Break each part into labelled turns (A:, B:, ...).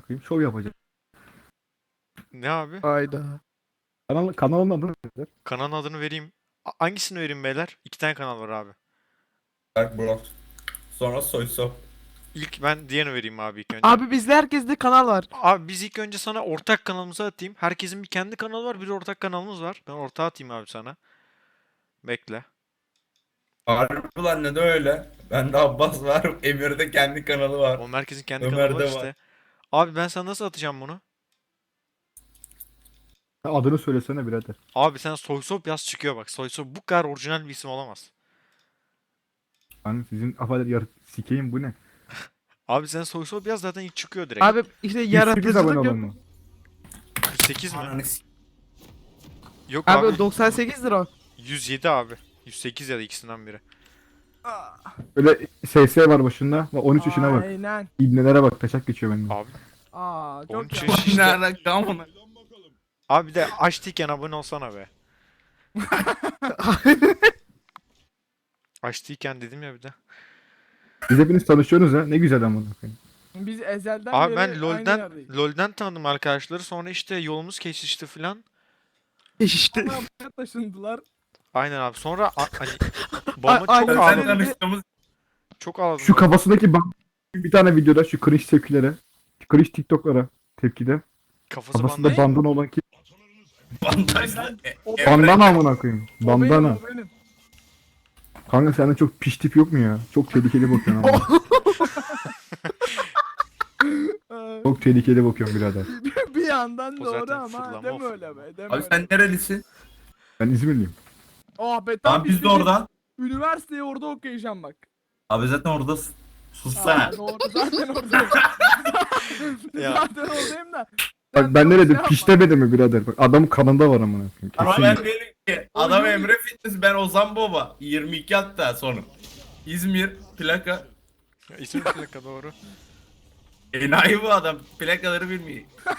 A: koyayım. Şov yapacak.
B: Ne abi?
C: Hayda.
A: Kanalın adı ne?
B: Kanalın adını vereyim. Hangisini vereyim beyler? İki tane kanal var abi.
D: Berk Bro. Sonra Soysop.
B: İlk ben diğerini vereyim abi ilk önce.
C: Abi bizde herkeste kanal var.
B: Abi biz ilk önce sana ortak kanalımızı atayım. Herkesin bir kendi kanalı var, bir de ortak kanalımız var. Ben ortağı atayım abi sana. Bekle.
D: Harbi lan ne de öyle. Bende Abbas var. Emir'de kendi kanalı var.
B: O merkezin kendi kanalı
D: Ömer'de
B: var
D: var.
B: işte. Abi ben sana nasıl atacağım bunu?
A: Adını söylesene birader.
B: Abi sen Soysop yaz çıkıyor bak. Soysop bu kadar orijinal bir isim olamaz.
A: Hani sizin afadır sikeyim bu ne?
B: Abi sen Soysop yaz zaten ilk çıkıyor direkt.
C: Abi işte
A: 108 abone
C: yaratıcılık
A: olan
C: yok.
A: mı?
B: 108 mi?
D: Ananı s-
B: Yok
C: Abi
B: abi.
C: 98'dir o.
B: 107 abi. 108 ya da ikisinden biri.
A: Böyle SS var başında. Bak 13 yaşına bak.
C: Aynen.
A: İbnelere bak taşak geçiyor benden.
B: Abi
C: Aa çok
B: 13
C: ya.
B: yaş işte.
D: Nerede amına?
B: Abi bir de açtıyken abone olsana be. Açtıyken dedim ya bir de.
A: Siz hepiniz tanışıyorsunuz ha. Ne güzel amına koyayım.
C: Biz ezelden
B: Abi
C: beri
B: ben
C: aynı
B: LoL'den
C: yerdeyiz.
B: LoL'den tanıdım arkadaşları. Sonra işte yolumuz kesişti filan.
C: İşte. Ama buraya taşındılar.
B: Aynen abi. Sonra hani babama
C: Ay-
B: çok
C: ay-
D: Sen
B: ağladım.
D: tanıştığımız
B: Çok ağladım.
A: Şu kafasındaki bir tane videoda şu cringe tepkilere. Cringe TikTok'lara tepkide.
B: Kafası
A: Kafasında
B: bandaj.
A: bandana olan kim?
D: bandajla.
C: O-
A: Bandana amına koyayım.
C: O benim,
A: Bandana.
C: o benim.
A: Kanka sende çok piş tip yok mu ya? Çok tehlikeli bakıyorsun ama. Çok tehlikeli bakıyorsun birader.
C: Bir yandan
B: O
C: doğru
B: zaten
C: ama
B: fırlama,
C: deme
B: o
C: öyle be. Deme
D: Abi
C: öyle.
D: sen nerelisin?
A: Ben İzmirliyim.
C: Oh be tam
D: Tamam biz de
C: bizim
D: oradan.
C: Üniversiteyi orada okuyacağım bak.
D: Abi zaten oradasın. Sussana.
C: Aa, doğru zaten oradayım.
B: Ya.
C: Zaten oradayım da.
A: Bak ben ne dedim? Piş demedi mi birader? Bak adamın kanında var amına koyayım.
D: Ama
A: Kesin.
D: ben değilim ki. Adam Emre Fitness, ben Ozan Baba. 22 hatta sonum. İzmir plaka.
B: İsim plaka doğru.
D: Enayi bu adam. Plakaları bilmiyor.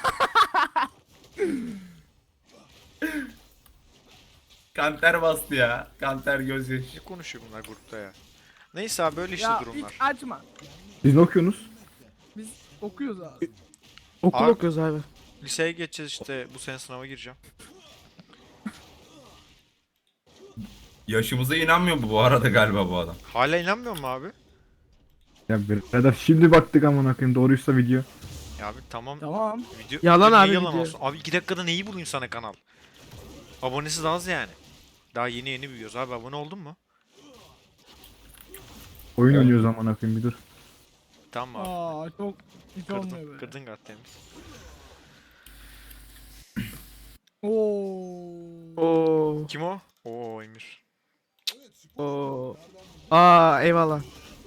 D: Kanter bastı ya. Kanter gözyaşı.
B: Ne konuşuyor bunlar grupta ya? Neyse abi böyle işte
C: Ya
B: durumlar.
C: hiç açma.
A: Siz ne okuyorsunuz?
C: Biz okuyoruz abi.
B: Okul Abi-
C: okuyoruz abi.
B: Liseye geçeceğiz işte. Bu sene sınava gireceğim.
D: Yaşımıza inanmıyor bu arada galiba bu adam.
B: Hala inanmıyor mu abi?
A: Ya birader şimdi baktık amına koyayım doğruysa video.
B: Ya abi tamam.
C: Tamam.
B: Video,
C: Yalan
B: niye
C: abi
B: yalan
C: video.
B: olsun? Abi 2 dakikada neyi bulayım sana kanal? Abonesi de az yani. Daha yeni yeni büyüyoruz abi. Abone oldun mu?
A: Oyun
D: Evet.
A: oynuyoruz amına koyayım bir dur.
B: Tamam abi.
C: Aa çok hiç olmuyor
B: Kırdın,
C: böyle.
B: kırdın Gattemiz.
C: Oo.
B: Kim o? Oo Emir.
C: Oo. Aa eyvallah.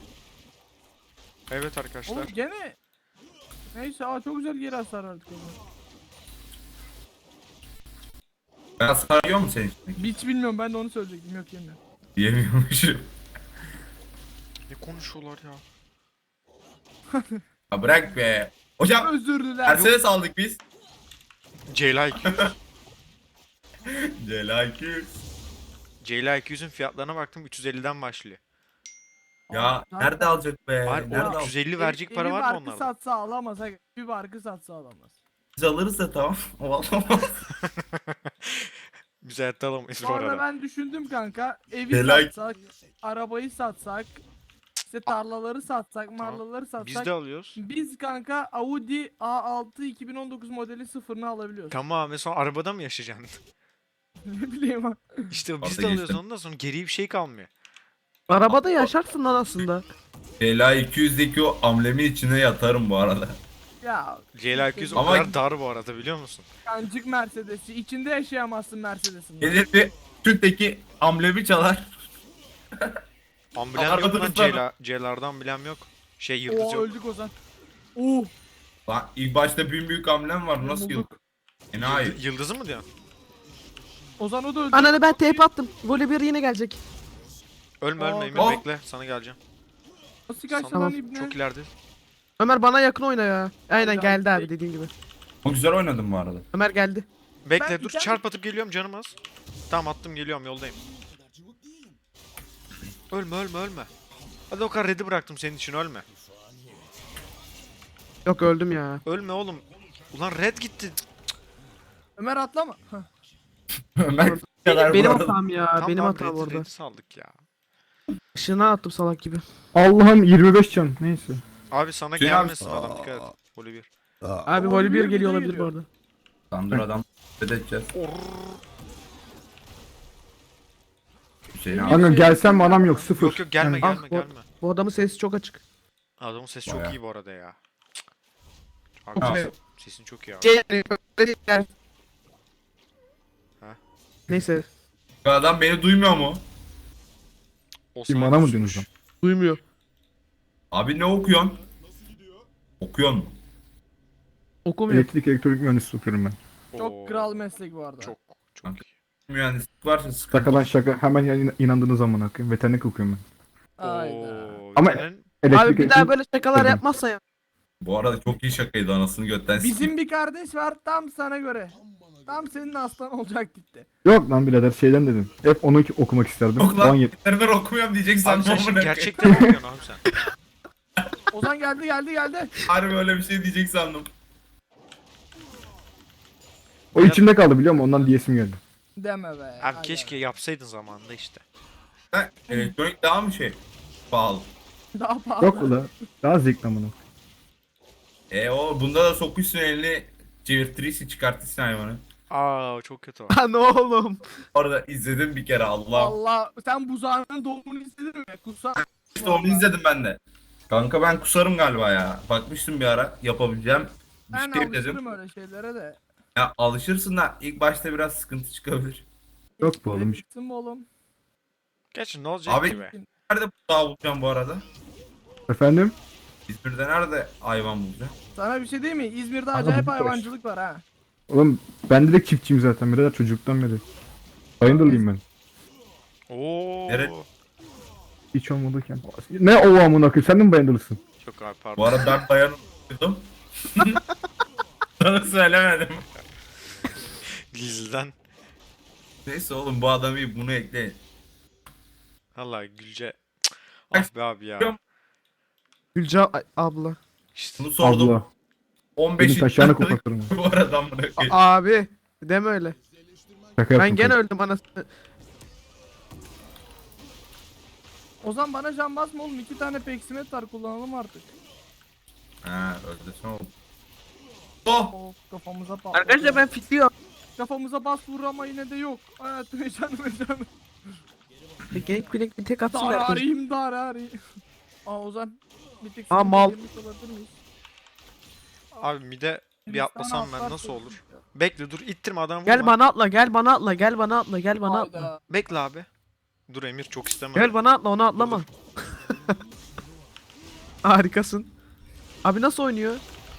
B: Evet arkadaşlar.
C: Oğlum gene neyse çok güzel geri hasar verdik onu.
D: Ben sarıyor mu seni?
C: Hiç bilmiyorum ben de onu söyleyecektim yok yine.
D: Diyemiyormuşum.
B: Ne konuşuyorlar ya?
D: Ya bırak be. Hocam
C: Özür dilerim.
D: Mercedes aldık biz.
B: Ceyla 200.
D: Cela 200.
B: Ceyla 200'ün fiyatlarına baktım 350'den başlıyor.
D: Ya nerede alacak be?
B: Hayır,
D: Nerede
B: o
D: alacak?
B: 350 verecek para var mı
C: barkı
B: onlarda?
C: satsa alamaz. Bir barkı satsa alamaz.
D: Biz alırız da tamam. O alamaz.
B: Biz hayatta alamayız bu
C: Bu arada
B: arada.
C: ben düşündüm kanka. Evi
D: Helal.
C: satsak, arabayı satsak, işte tarlaları satsak, marlaları satsak.
B: Biz de alıyoruz.
C: Biz kanka Audi A6 2019 modeli sıfırını alabiliyoruz.
B: Tamam ve sonra arabada mı yaşayacaksın?
C: Ne bileyim ha.
B: İşte biz
D: Orada
B: de alıyoruz
D: geçtim.
B: ondan sonra geriye bir şey kalmıyor.
C: Arabada yaşarsın lan aslında.
D: Cela 200'deki o amblemin içine yatarım bu arada.
C: Ya
B: Ceyla 200 o
D: Ama-
B: kadar dar bu arada biliyor musun?
C: kancık Mercedes'i içinde yaşayamazsın Mercedes'in.
D: Gelir bir Türk'teki amblemi çalar.
B: Amblem yok lan
D: Aradınız
B: Ceyla. Ceylar'dan amblem yok. Şey yıldız
C: Oo
B: yok.
C: öldük Ozan. Oo.
D: Lan ilk başta büyük amblem var. Nasıl yıl?
C: bulduk.
D: Enayi.
B: Yıldızı mı diyorsun?
C: Ozan o da öldü.
E: Ananı ben TP attım. Voleybol yine gelecek.
B: Ölme
C: Aa,
B: ölme Emir
D: tamam.
B: bekle sana geleceğim.
C: Nasıl kaçtı
B: Sana-
C: lan ibne?
B: Çok ileride.
E: Ömer bana yakın oyna ya. Aynen
C: Hadi
E: geldi
C: abi.
E: abi dediğin gibi.
D: Çok güzel oynadım bu arada.
E: Ömer geldi.
B: Bekle
C: Ben
B: dur
C: bir tane-
B: çarp atıp geliyorum canım az. Tamam attım geliyorum yoldayım. Ölme ölme ölme. Hadi o kadar red'i bıraktım senin için ölme.
E: Yok öldüm ya.
B: Ölme oğlum. Ulan red gitti.
C: Ömer atlama. Hah.
D: Ömer bu kadar
E: Benim
D: bu arada.
E: hatam ya.
B: Tam
E: Benim
B: lan
E: hatam orada.
B: red'i saldık ya.
E: Işığına attım salak gibi.
A: Allah'ım 25 can. Neyse.
B: Abi sana
D: Hüseyin abi-
B: gelmesin adam dikkat et. Golü bir.
E: Abi
C: O
E: voli bir
C: bir
E: geliyor
C: de
E: olabilir bu
C: geliyor.
E: arada.
D: Lan dur adam. Edeceğiz. Hüseyin abi.
A: Kanka gelsem mi adam yok sıfır.
B: Yok yok gelme
A: Yani-
B: gelme
E: Ah,
B: gelme.
E: Bu adamın sesi çok açık.
B: Adamın sesi
D: Bayağı.
B: çok iyi bu arada ya. Abi
D: Abi.
B: sesin çok iyi abi. Ha?
E: Neyse.
D: Bu adam beni duymuyor mu?
B: O
A: Kim,
B: sana
A: bana mı
B: kusmuş.
A: diyorsun
E: Duymuyor.
D: Abi ne okuyorsun? Okuyorsun mu?
E: Okumuyor.
A: Elektrik elektronik mühendisi okuyorum ben.
B: Oo,
C: Çok kral meslek bu arada.
B: Çok
D: Kanka.
B: iyi.
D: Mühendislik varsa sıkıntı.
A: Şakadan şaka hemen inandığınız zaman akıyım. Veterinik okuyorum ben.
C: Hayda.
B: Oo,
A: Ama-
B: senin-
A: Elektrik
E: Abi bir daha
A: elektrik-
E: böyle şakalar
A: Dedim.
E: yapmazsa ya.
D: Bu arada çok iyi şakaydı anasını götten
C: Bizim bir kardeş var tam sana göre. Tam senin aslan olacak gitti.
A: Yok lan birader şeyden dedim. Hep onu okumak isterdim.
D: Yok lan.
A: 17.
D: Veteriner okumuyorum diyeceksin.
B: Abi sen
D: amına
B: şimdi
D: koyayım.
B: gerçekten okuyorsun abi sen.
C: Ozan geldi.
D: Harbi öyle bir şey diyecek sandım.
A: O içimde kaldı biliyor musun? Ondan diyesim geldi.
C: Deme be.
B: Abi
C: hayda.
B: keşke yapsaydın zamanında işte.
D: Ha, elektronik daha mı şey? Pahalı.
C: Daha pahalı.
A: Yok ula. Daha zevkli amına.
D: O bunda da sokuşsun elini çevirtirisi çıkartırsın hayvanı.
B: Aa çok kötü o.
E: Lan oğlum.
D: Orada izledim bir kere Allah.
C: Allah sen buzağının doğumunu izledin mi? Kusa.
D: İşte onu izledim ben de. Kanka ben kusarım galiba ya. Bakmıştım bir ara yapabileceğim.
C: Ben
D: Bir şey dedim.
C: alışırım öyle şeylere de.
D: Ya alışırsın da ilk başta biraz sıkıntı çıkabilir.
A: Yok bu oğlum.
C: Bitsin mi oğlum?
B: Gerçi ne olacak
D: Abi-
B: ki be?
D: Nerede daha bulacağım bu arada?
A: Efendim?
D: İzmir'de nerede hayvan bulacağım?
C: Sana bir şey diyeyim mi? İzmir'de
A: Abi
C: acayip
A: bu
C: hayvancılık var ha.
A: Oğlum ben de çiftçiyim zaten birader çocukluktan beri. Bayındırlıyım ben.
B: Oo.
D: Nere-
A: Hiç olmadıyken. Ne o amına koyayım sen de mi bayındırlısın?
B: Çok abi pardon.
D: Bu arada ben dayanıyordum. Sana söylemedim.
B: Gizliden.
D: Neyse oğlum bu adamı iyi, bunu ekleyin.
B: Valla Gülce. Cık, ah be abi ya.
E: Gülca abla.
B: İşte.
D: Bunu sordum.
A: Abla.
D: 15.
A: Benim taşağını koklatırım.
D: bu arada amına koyayım.
E: Abi. Deme öyle.
A: Şaka
E: Ben
A: yaptım.
E: gene
A: kanka.
E: öldüm anasını.
C: Ozan bana can basma oğlum. 2 tane peksimet var kullanalım artık.
D: Ha öldürsün oğlum. Oh!
C: Of kafamıza patladı.
E: Arkadaşlar ben fitliyorum.
C: Kafamıza bas vur ama yine de yok. Hayatım canım.
E: Gangplank bir tek atsın da.
C: Dararayım. Aa Ozan. Bir tek
E: Aa,
C: seni
E: mal.
C: yemiş olabilir miyiz?
B: Abi mide bir
C: Biz
B: atlasam
C: sana
B: ben
C: atlar
B: nasıl
C: koyduk
B: olur?
C: ya.
B: Bekle dur ittirme adam vurma.
E: Gel bana atla, gel bana atla, gel bana atla, gel bana atla.
C: Hayda.
B: Bekle abi. Dur Emir çok istemem.
E: Gel bana atla, onu atlama. Harikasın. Abi nasıl oynuyor?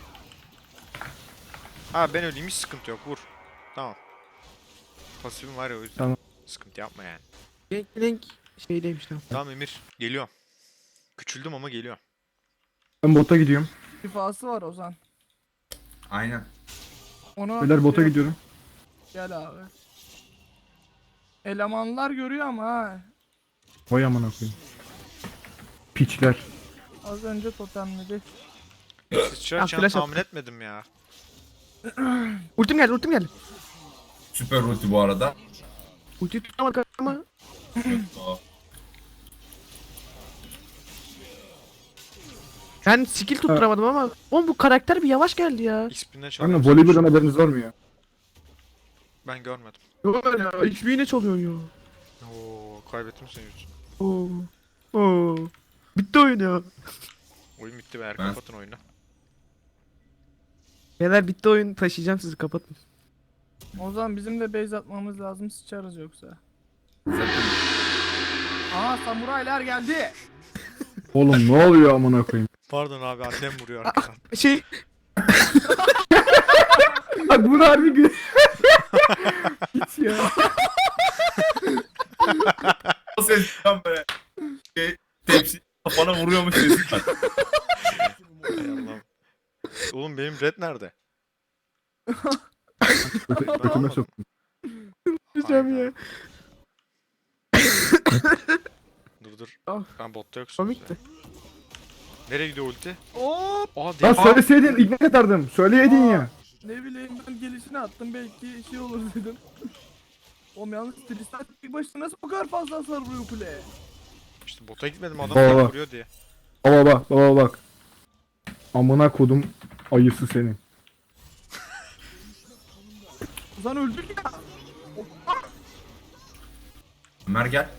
B: Ha ben öleyim hiç sıkıntı yok vur. Tamam. Pasifim var ya o yüzden.
A: Tamam.
B: Sıkıntı yapma yani.
E: Gangplank şeydeymiş tamam.
B: Tamam Emir geliyorum. Küçüldüm ama geliyorum.
A: Ben bota gidiyorum.
C: Şifası var Ozan.
D: Aynen.
C: Onu
A: Beyler bota
C: şey-
A: gidiyorum.
C: Gel abi. Elemanlar görüyor ama ha.
A: Vay amına koyayım. Piçler.
C: Az önce totemledi.
B: Sıçrayacağını
E: flash
B: tahmin etmedim ya.
E: Ultim geldi, ultim geldi.
D: Süper ulti bu arada.
E: Ultiyi tutamadık ama.
D: Oh.
E: Ben skill tutturamadım ama. Oğlum bu karakter bir yavaş geldi ya.
B: XP'ne
A: Kanka
B: çalıyorum.
A: voleyboldan haberiniz var mı ya?
B: Ben görmedim.
E: Yok ya, hiçbir yine çalıyor ya.
B: Oo kaybettim seni yüzünden.
E: Oo. Oo. Bitti oyun ya.
B: Oyun bitti be
D: Ben-
B: kapatın oyunu.
E: Beyler bitti oyun, taşıyacağım sizi, kapatın.
C: Ozan bizim de base atmamız lazım sıçarız yoksa. Aa samuraylar geldi.
A: Oğlum ne oluyor amına koyayım?
B: Pardon abi annem vuruyor arkadan.
E: Şey,
A: Bak bunu harbi gül. Hiç ya.
D: O ses tam böyle tepsi kafana vuruyormuş sesi var.
B: Hay Allah'ım. Oğlum benim red nerede?
A: Götüme
B: almadım.
A: soktum.
E: diyeceğim ya.
B: Dur dur.
E: Ah.
B: Ben botta yoksun.
E: Komikti.
B: Nereye gidiyor ulti?
C: Hop.
B: Aa
A: Lan
B: değil.
A: söyleseydin ignite atardım. Söyleyeydin ya.
C: Ne bileyim ben gelişini attım belki şey olur dedim. Oğlum yalnız Tristan tek başına nasıl bu kadar fazla hasar vuruyor kuleye?
B: İşte bota gitmedim adam
A: Baba.
B: tek vuruyor diye.
A: Baba bak. Amına kodum ayısı senin.
C: Ozan öldük ya.
D: Ömer gel.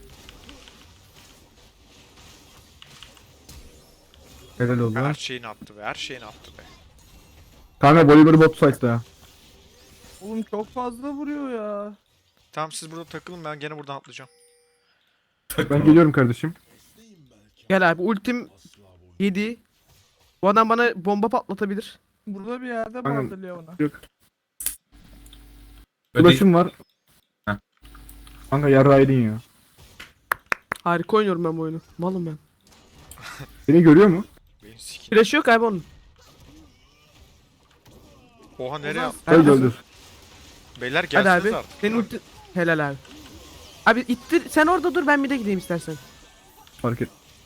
A: Helal oldu.
B: Her şeyini attı be, her şeyini attı be.
A: Kanka Bolívar bot site'da ya.
C: Oğlum çok fazla vuruyor ya.
B: Tamam siz burada takılın, ben gene buradan atlayacağım.
A: Ben geliyorum kardeşim.
E: Gel abi ultim 7. Bu adam bana bomba patlatabilir.
C: Burada bir yerde
A: Aynen.
C: vardı Leona.
A: Yok.
D: Öde-
A: Ulaşım var.
D: Heh.
A: Kanka yarraydın ya.
E: Harika oynuyorum ben bu oyunu. Malım ben.
A: Seni görüyor mu?
B: Benim sikin.
E: Flash yok abi onun.
B: Oha nereye attı?
A: Öldür öldür.
B: Beyler
E: Hadi
B: gelseniz
E: abi.
B: artık.
E: Senin ulti... Helal abi. Abi ittir. Sen orada dur, ben bir de gideyim istersen.
A: Fark et.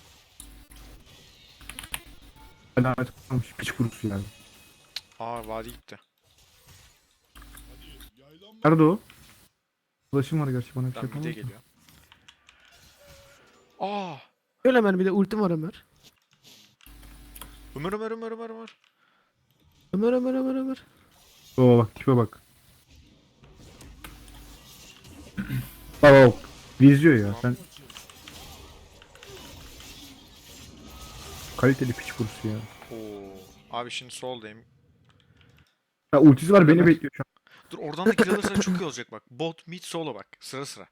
A: Alamet kalmış piç kurusu yani.
B: Aa vadi gitti.
A: Nerede o? Ulaşım var gerçi bana bir şey
B: Ben bir de
A: yapamaz.
B: geliyor. Aa!
E: Öyle Ömer, bir de ultim var Ömer.
B: Ömer Ömer Ömer Ömer Ömer.
E: Ömer.
A: Baba bak tipe bak. Baba bak. Vizyo ya sen. Kaliteli piç kurusu ya.
B: Oo. Abi şimdi soldayım.
A: Ya ultisi var beni bekliyor şu an.
B: Dur oradan da kill alırsan çok iyi olacak bak. Bot, mid, solo bak. Sıra sıra.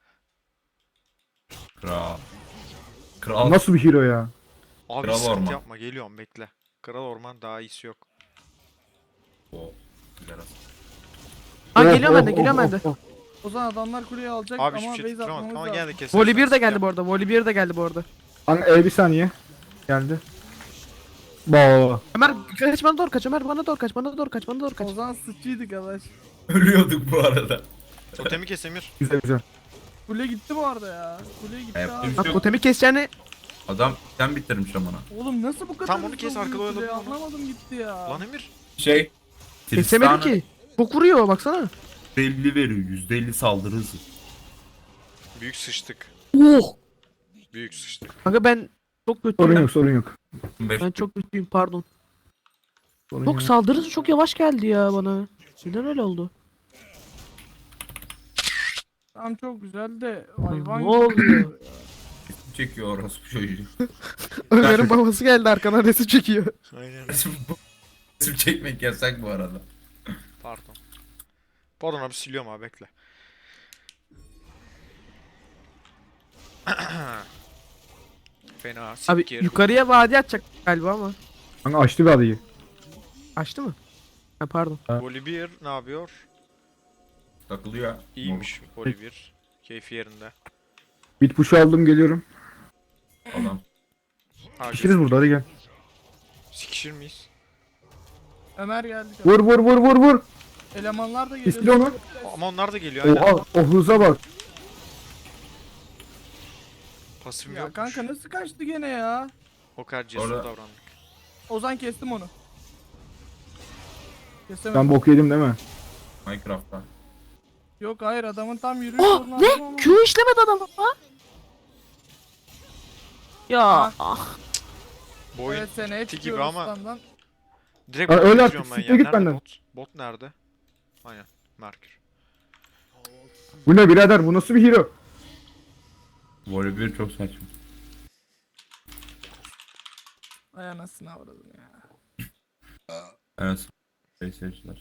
D: Kral. Kral.
A: Nasıl bir hero ya?
B: Abi
D: Kral
B: sıkıntı
D: orman.
B: yapma, geliyorum bekle. Kral orman daha iyisi yok.
D: O. Güzel aslında.
E: Ha
A: Oh,
E: geliyorum ben de,
A: oh,
E: geliyorum
A: oh,
E: ben de.
A: oh, oh.
C: Ozan adamlar kuleyi alacak
B: Abi
C: ama
B: hiçbir şey
C: base
B: tutturamadık
C: atmamız
B: ama
C: lazım.
B: gene de kesersen.
E: Voli 1 de geldi
B: sıkıntı
E: bu arada. Voli 1 de geldi bu arada.
A: Kanka bir saniye. Geldi. Baba.
E: Ömer kaç, bana doğru kaç. Ömer bana doğru kaç. Bana doğru kaç. Bana doğru kaç.
C: Ozan sıçıydı arkadaş.
D: Ölüyorduk bu arada.
B: yok. Totemi kes Emir.
A: Güzel güzel.
C: Kule gitti bu arada ya. Kule gitti
D: Yaptığım
C: abi.
D: şey
E: Bak
D: yok.
E: totemi keseceğini.
D: Adam sen bitirmiş amına.
C: Oğlum nasıl bu kadar
B: Tam onu
C: hızlı
B: kes, arkada
C: vuruyor kule?
B: oyaladın ama.
C: Anlamadım gitti ya.
B: Lan Emir.
D: Şey.
E: Kesemedi ki. Çok vuruyor baksana.
D: %50 veriyor. %50 saldırı hızı.
B: Büyük sıçtık.
E: Oh.
B: Büyük sıçtık.
E: Kanka ben çok
A: Sorun
E: kötüyüm.
A: yok sorun yok.
D: 15
E: Ben çok kötüyüm, pardon.
A: Sorun
E: Çok
A: yok.
E: saldırısı çok yavaş geldi ya bana. Neden öyle oldu?
C: Tam çok güzel de hayvan
E: Ne oluyor?
D: çekiyor orası çocuğu.
E: Ömer'in babası geldi arkadan resim çekiyor.
B: Aynen.
D: Resim çekmek yasak bu arada.
B: Pardon. Pardon abi, siliyorum abi bekle. Fena
E: Abi
B: sikir.
E: yukarıya vadi atacak galiba ama.
A: Kanka açtı bir adayı.
E: Açtı mı? Ha pardon.
B: Volibear ne yapıyor?
D: Takılıyor.
B: İyiymiş Volibear. Keyfi yerinde.
A: Bit push'u aldım geliyorum.
D: Adam.
B: Ha,
A: Pişiriz burada hadi gel.
B: sikişir miyiz?
C: Ömer geldi.
A: Vur.
C: Elemanlar da
A: İstil
C: geliyor.
A: onu.
B: Ama onlar da geliyor aynen.
A: Oha o hıza bak.
B: Pasifim
C: Ya
B: yokmuş.
C: kanka nasıl kaçtı gene ya?
B: O kadar cesur
D: Orada-
B: davrandık.
C: Ozan kestim onu. Kesemedim.
A: Ben bok yedim değil mi?
D: Minecraft'ta.
C: Yok hayır adamın tam yürüyüş
E: Oh
C: yolunu aldım ama-
E: ne? Q işlemedi adam ha? Ya
B: Bu oyun
C: Evet seneye
B: gibi
C: çıkıyoruz
B: ama-
C: standdan.
B: direkt
A: Ha,
B: bota
A: öyle
B: getiriyorum
A: artık,
B: ben
A: siktir
B: ya.
A: git
B: Nerede
A: benden.
B: bot? Bot nerede? Aynen. Merkür.
A: Bu ne birader bu nasıl bir hero?
D: Voleybol çok saçma.
C: Ay anasını avradım ya.
D: Evet. Seyirciler.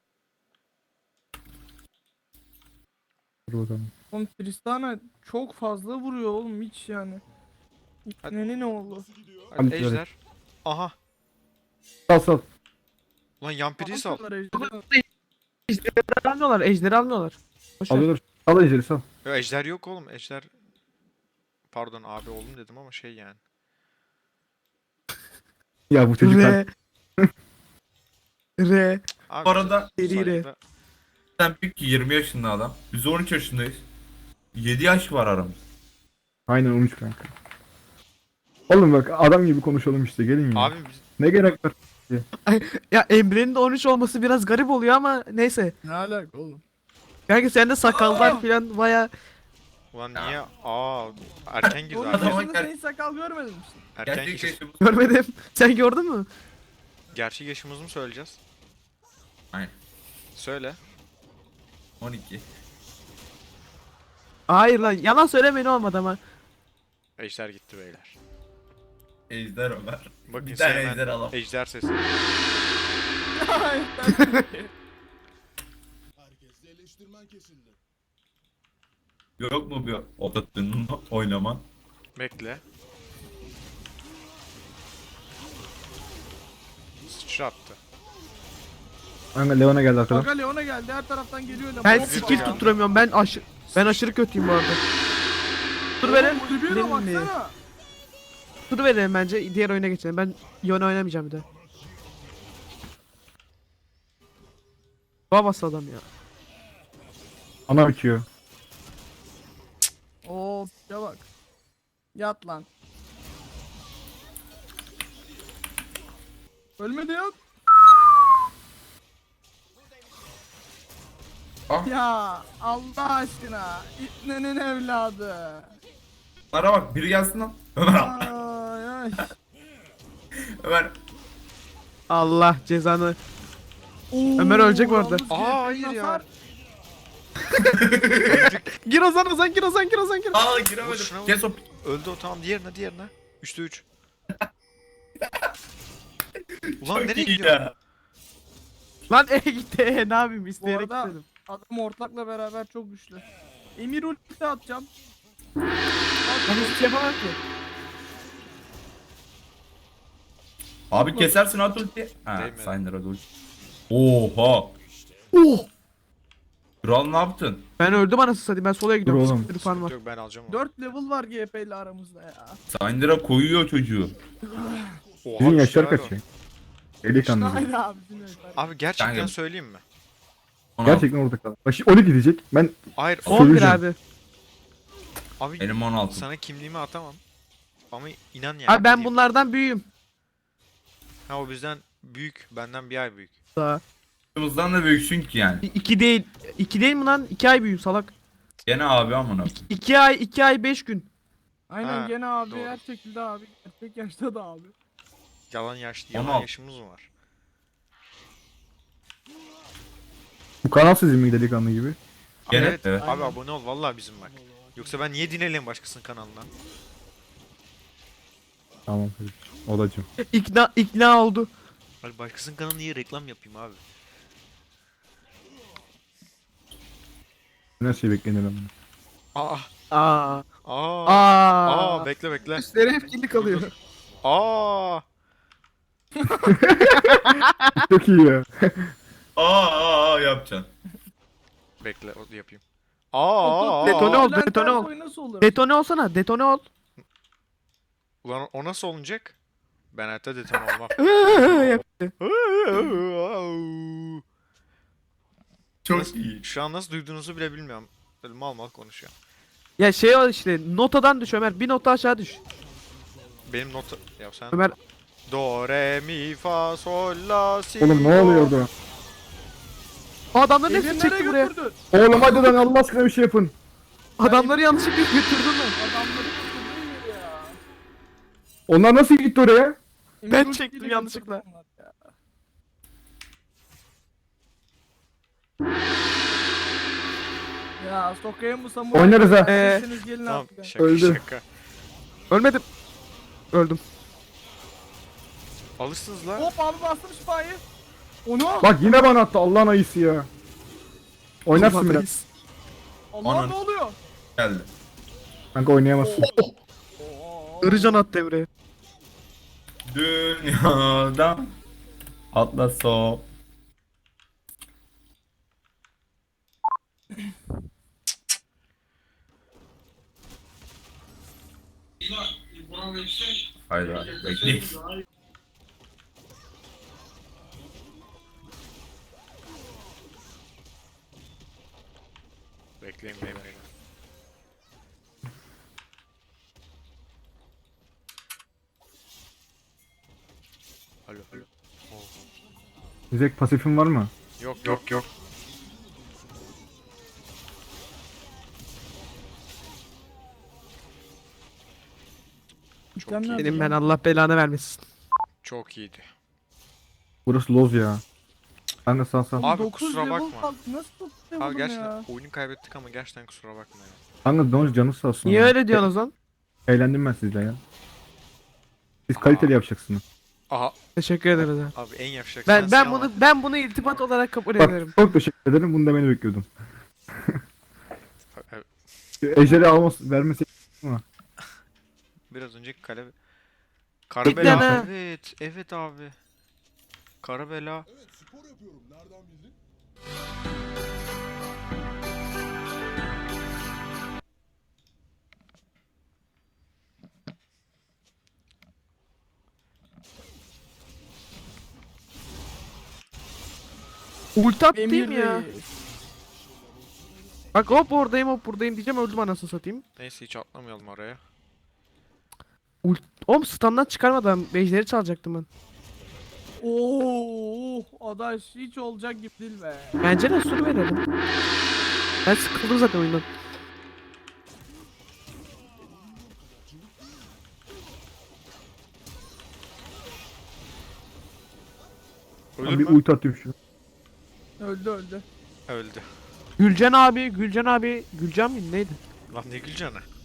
A: Dur bakalım.
C: Oğlum Tristana çok fazla vuruyor oğlum hiç yani. Ne oldu?
B: Hadi
A: Hadi
B: ejder. Aha.
A: Sal.
B: Lan Yampiri'yi sal.
C: Aldılar ejderi.
E: ejderi almıyorlar. Ejderi almıyorlar. Boş ver.
A: Alıyorlar. Sal ejderi sal.
B: Yo, ejder yok oğlum. Ejder. Pardon abi oğlum dedim ama şey yani.
A: Ya bu çocuk
E: R. R.
B: Abi,
D: Bu arada
E: Seriyle.
B: saygıda-
D: sen pek ki 20 yaşında adam. Biz 13 yaşındayız. 7 yaş var aramızda.
A: Aynen 13 kanka. Oğlum bak adam gibi konuşalım işte gelin ya.
B: Abi
A: Ne gerek var?
E: Ya Emre'nin de 13 olması biraz garip oluyor ama neyse.
C: Ne alaka oğlum?
E: Kanka sende sakallar falan baya
B: ulan niye? Erken girdi
C: 13
B: abi.
D: Adama
C: yaşında
D: gel-
C: sen hiç sakal görmedin misin?
B: Erken
D: Gerçek
B: girdi.
D: yaşımız.
E: görmedim. Sen gördün mü?
B: Gerçek yaşımızı mı söyleyeceğiz?
D: Aynen.
B: Söyle.
D: 12.
E: Hayır lan yalan söylemeyin olmadı ama.
B: Ejder gitti beyler.
D: Ejder Ömer.
B: Bakın
D: Bir tane
B: sevmen
D: ejder alalım.
B: ejder sesi.
D: Yok mu bir ototünün oynaman?
B: Bekle. Sıçrattı.
A: Kanka Leon'a geldi arkadan.
C: Kanka Leon'a geldi her taraftan geliyor lan.
E: Ben
C: Hop,
E: skill
B: ya.
E: tutturamıyorum. Ben aşırı kötüyüm bu arada. Dur verin.
C: Kulübüye de baksana.
E: Dur verelim bence. Diğer oyuna geçelim. Ben Yone oynamayacağım bir de. Babası adam ya.
A: Ana bitiyor.
C: Oo ya bak. Yat lan. Ölmedi ya.
D: Ah.
C: Ya Allah aşkına. İbnenin evladı.
D: Bana bak biri gelsin lan. Ömer al.
C: Ay ay.
D: Ömer.
E: Allah cezanı. Ömer ölecek bu arada.
C: Yalnız
B: Hayır
C: GP'nin
B: ya.
C: hasar-
E: Gir Ozan Ozan gir Ozan gir Ozan gir.
D: Aa
B: Vur
D: giremedim.
B: şuna vur.
D: Kes o.
B: Öldü o tamam diğerine. 3'te 3. Ulan
D: Çok
B: nereye
D: iyi
B: gidiyor?
D: ya.
E: Lan gitti. Ne yapayım isteyerek
C: Bu arada-
E: gitmedim.
C: Adam ortakla beraber çok güçlü. Emir ulti atacağım.
E: Ben hiçbir şey yapamam ki.
D: Abi kesersin at ulti. Ha
B: Değmedi.
D: Syndra da ulti. Oha.
E: Oh!
D: Kral ne yaptın?
E: Ben öldüm anasını satayım. Ben solaya gidiyorum.
A: Dur oğlum.
E: Siktir fan var.
B: Yok ben alacağım onu.
C: 4 level var GP ile aramızda ya.
D: Syndra koyuyor çocuğu.
B: Oha,
A: Sizin
B: bir
A: yaşlar
B: şeyler
A: kaç
B: var.
A: ya? Delikanlı.
C: Haydi abi dinle.
B: Abi gerçekten
D: Kanka.
B: söyleyeyim mi?
A: Gerçekten orada kaldı. Bak şimdi 12 diyecek. Ben
B: Hayır.
E: 11
A: Söveceğim.
E: abi.
B: Abi
D: Benim 16.
B: sana kimliğimi atamam. Ama inan yani.
E: Abi ben
B: diyeyim.
E: bunlardan büyüğüm.
B: Ha o bizden büyük. Benden bir ay büyük.
E: Daha.
D: Başımızdan da büyüksün ki yani.
E: 2 değil. 2 değil mi lan? 2 ay büyüğüm salak.
D: Gene abi amına.
E: 2 ay 5 gün.
C: Aynen
B: Ha,
C: gene abi
B: doğru.
C: her şekilde abi. Gerçek yaşta da abi.
B: Yalan
D: 16.
B: yaşımız mı var?
A: bu kanal sizin mi delikanlı gibi?
D: Gene
B: evet.
D: evet.
B: Abi abone ol vallahi bizim bak. Yoksa ben niye dinleyeyim başkasının kanalından?
A: Tamam kardeşim. Olacağım.
E: İkna oldu.
B: Abi başkasının kanalına niye reklam yapayım abi?
A: Ne şey beklenir ama.
B: Aa.
E: Aa.
B: Aa.
E: Aa.
B: Bekle.
E: Üstleri hep kirli kalıyor.
B: Aa.
A: Çok iyi ya.
D: Yapacaksın.
B: Bekle o yapayım. Aa.
E: Detone ol,
C: Bülent
E: detone ol.
C: Ersoy nasıl olur?
E: Detone olsana. Detone ol.
B: Ulan o nasıl olacak? Ben hayatta deton olmam.
E: Yaptı.
D: Çok iyi.
B: Şu an nasıl duyduğunuzu bile bilmiyorum. Böyle mal mal konuşuyor.
E: Ya şey o işte notadan düş Ömer. Bir nota aşağı düş.
B: Benim nota... Ya sen...
E: Ömer
B: Do, re, mi, fa, sol, la, si,
A: Oğlum ne
B: do.
A: oluyor orada?
C: Emir
E: adamların hepsini
C: nereye
E: çekti buraya.
C: götürdün?
A: Oğlum hadi lan Allah aşkına bir şey yapın.
E: Adamları yanlışlıkla götürdün mü?
C: Adamları götürdün Emir ya.
A: Onlar nasıl gitti oraya?
C: Emir
E: Ben
C: ultiyle
E: çektim yanlışlıkla.
C: götürdü onlar ya. Ya sokayım bu samuray.
A: Oynarız ha.
C: Siz gelin
B: Tamam
C: artık ya.
B: şaka
A: Öldü.
B: şaka.
E: Ölmedim. Öldüm.
B: Alırsınız la.
C: Hop abi bastım şifayı. Onu.
A: Bak yine bana attı Allah'ın ayısı ya. Oynarsın biraz.
C: Allah
D: Anan.
C: ne oluyor?
D: Geldi.
A: Kanka oynayamazsın.
E: Irıcan attı Emre'ye.
D: Dünyada Atlas o. Hayda bekleyin.
B: Bekleyin beyler.
A: İzek pasifin var mı?
B: Yok yok yok. Çok
C: Mükemmel.
B: iyi.
E: Benim ben Allah belanı vermesin.
B: Çok iyiydi.
A: Burası loz ya. Ben de sağ.
B: Abi
C: 9
B: kusura
C: level
B: bakma.
C: kaldı. Nasıl 9 level
B: Abi gerçekten
C: ya?
B: oyunu kaybettik ama gerçekten kusura bakma ya.
A: Kanka Donuz canı sağ olsun.
E: Niye
A: ya.
E: öyle diyorsun o zaman?
A: Eğlendim ben sizle ya. Siz
B: Aa.
A: kaliteli yapacaksınız.
B: Aha
E: Teşekkür ederiz abi.
B: abi en yapacak
E: Ben
B: sensin ama-
E: bunu iltifat olarak kabul
A: Bak
E: ederim.
A: çok teşekkür ederim. Bunu demeni bekliyordum.
B: Evet,
A: Ejder'i vermesi
B: biraz önceki kale...
E: Bekle
B: Karabela.
E: ne?
B: Evet, evet abi. Karabela.
E: Ulti attım
C: Emir
E: ya.
C: Reis.
E: Bak hop oradayım diyeceğim öldüm anasını satayım.
B: Neyse hiç atlamayalım araya.
E: Oğlum standdan çıkarmadan bejleri çalacaktım ben.
C: Oo, adaş hiç olacak gibi değil be.
E: Bence de sur verelim. Ben sıkıldım zaten oyundan.
B: Ölür
A: bir
B: mü?
A: ulti atayım şu.
C: Öldü öldü.
B: Öldü.
E: Gülcan abi. Gülcan mi neydi?
B: Lan ne güleceksin?